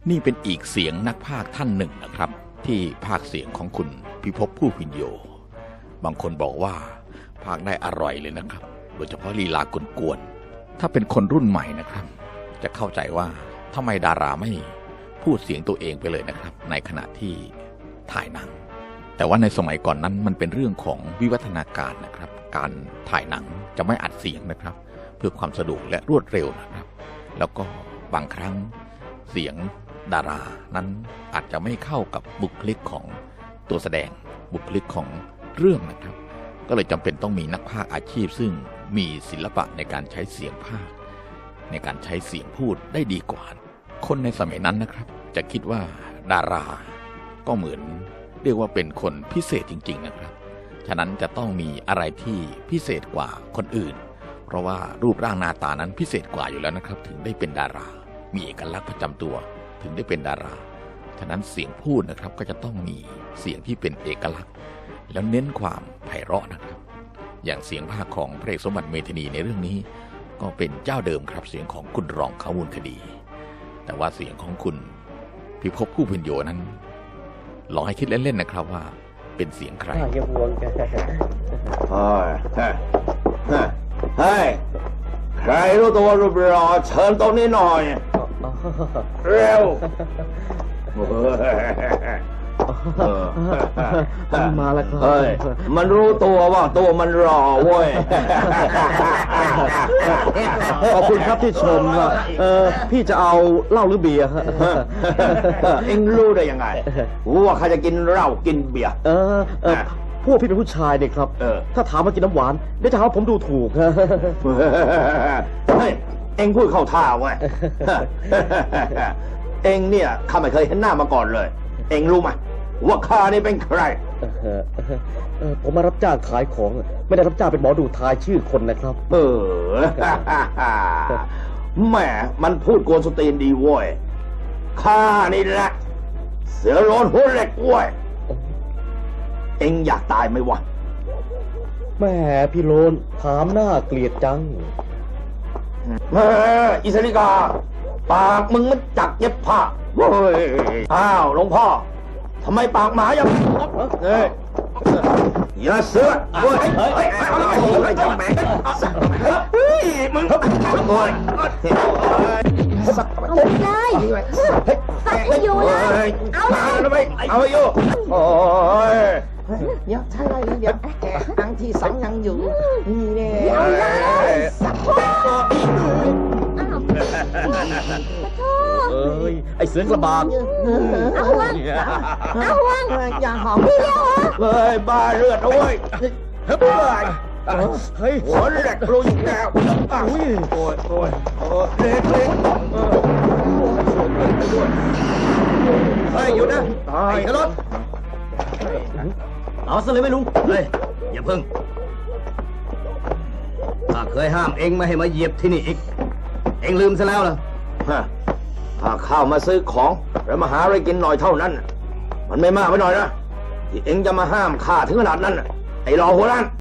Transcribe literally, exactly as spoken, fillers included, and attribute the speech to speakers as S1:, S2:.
S1: นี่เป็นอีกเสียงนักพากย์ท่านหนึ่งนะครับที่พากย์เสียงของคุณพิภพผู้พินโยบางคนบอกว่าพากย์ได้อร่อยเลยนะครับโดยเฉพาะลีลากวนๆถ้าเป็นคนรุ่นใหม่นะครับจะเข้าใจว่าทำไมดาราไม่พูดเสียงตัวเองไปเลยนะครับในขณะที่ถ่ายหนังแต่ว่าในสมัยก่อนนั้นมันเป็นเรื่องของวิวัฒนาการนะครับการถ่ายหนังจะไม่อัดเสียงนะครับเพื่อความสะดวกและรวดเร็วนะครับแล้วก็บางครั้งเสียงดารานั้นอาจจะไม่เข้ากับบุคลิกของตัวแสดงบุคลิกของเรื่องนะครับก็เลยจำเป็นต้องมีนักพากย์อาชีพซึ่งมีศิลปะในการใช้เสียงพากย์ในการใช้เสียงพูดได้ดีกว่าคนในสมัยนั้นนะครับจะคิดว่าดาราก็เหมือนเรียกว่าเป็นคนพิเศษจริงๆนะครับฉะนั้นจะต้องมีอะไรที่พิเศษกว่าคนอื่นเพราะว่ารูปร่างหน้าตานั้นพิเศษกว่าอยู่แล้วนะครับถึงได้เป็นดารามีเอกลักษณ์ประจำตัวถึงได้เป็นดาราฉะนั้นเสียงพูดนะครับก็จะต้องมีเสียงที่เป็นเอกลักษณ์แล้วเน้นความไพเราะนะครับอย่างเสียงภาคของพระเอกสมบัติเมธานีในเรื่องนี้ก็เป็นเจ้าเดิมครับเสียงของคุณรองเขามูลคดีแต่ว่าเสียงของคุณพิภพผู้พินโยนั้นลองให้คิดเล่นๆนะครับว่าเป็นเสียงใคร
S2: อย่าห่วงกัน
S3: เฮ้ยเฮ้ยใครรู้ตัวรูปรอเชิญตรงนี้หน่อยเร็ว
S2: มาแล้วครับ
S3: เฮ้ยมันรู้ตัวว่าตัวมันรอเว้ย
S2: ขอบคุณครับที่ชมว่าเออพี่จะเอาเหล้าหรือเบียร์ฮะ
S3: เอ็งรู้ได้ยังไงว่าใครจะกินเหล้ากินเบียร์
S2: เออเออพวกพี่เป็นผู้ชายเนี่ยครับถ้าถามว่ากินน้ำหวานเดี๋ยวจะหาว่าผมดูถูกฮะ
S3: เฮ้ยเอ็งพูดเข้าท่าเว้ยเอ็งเนี่ยข้าไม่เคยเห็นหน้ามาก่อนเลยเอ็งรู้ไหมว่าข้านี่เป็นใคร
S2: ผมมารับจ้างขายของไม่ได้รับจ้างเป็นหมอดูทายชื่อคนนะครับ
S3: เออแหมมันพูดโกนสตีนดีเว้ยข้านี่แหละเสือโลนหัวเหล็กเว้ยเอ็งอยากตายไหมวะ
S2: แม่พี่โลนถามหน้าเกลียดจัง
S3: เฮ้ยอิสริกาปากมึงมันจักเย็บผ้าเฮ้ยอ้าวหลวงพ่อทำไมปากหมาอย่างนี้เฮ้ยอย่าเสือเฮ้ยเฮ้ยเฮ้ยเฮ้ยเฮ้ยมึงโอ้ย
S4: เอาไม่ได้สักไม่อยู่เลยเอาเลย
S3: เอาไปอยู่โอ้ย
S5: เดี๋ยวใช่เลยเดี๋ยวแกครั้งที่สองยังอยู่นี่แน่
S4: เอาเลยสักพ่อ
S2: เอ้ยไอเสือกระบาด
S4: เอาวางเอาวาง
S5: อย่าหอม
S4: พี่เดียว
S3: เฮ้ยบ้าเลือดโอ้ยเฮ้ย
S2: เฮ้ย
S3: หัวเหล็กลุยแล้วโอ้ยโอ้ยโอ้ยเล็กเล็กเฮ้ยหยุดนะไอ้กระโดด
S2: เอาซะเลยไม่ลุง
S3: เฮ้ยอย่าพึ่งข้าเคยห้ามเอ็งไม่ให้มาเหยียบที่นี่อีกเอ็งลืมซะแล้วเหรอข้าเข้ามาซื้อของแล้วมาหาอะไรกินหน่อยเท่านั้นมันไม่มากไปหน่อยนะที่เอ็งจะมาห้ามข้าถึงขนาดนั้นไอ้รอหัวล้าน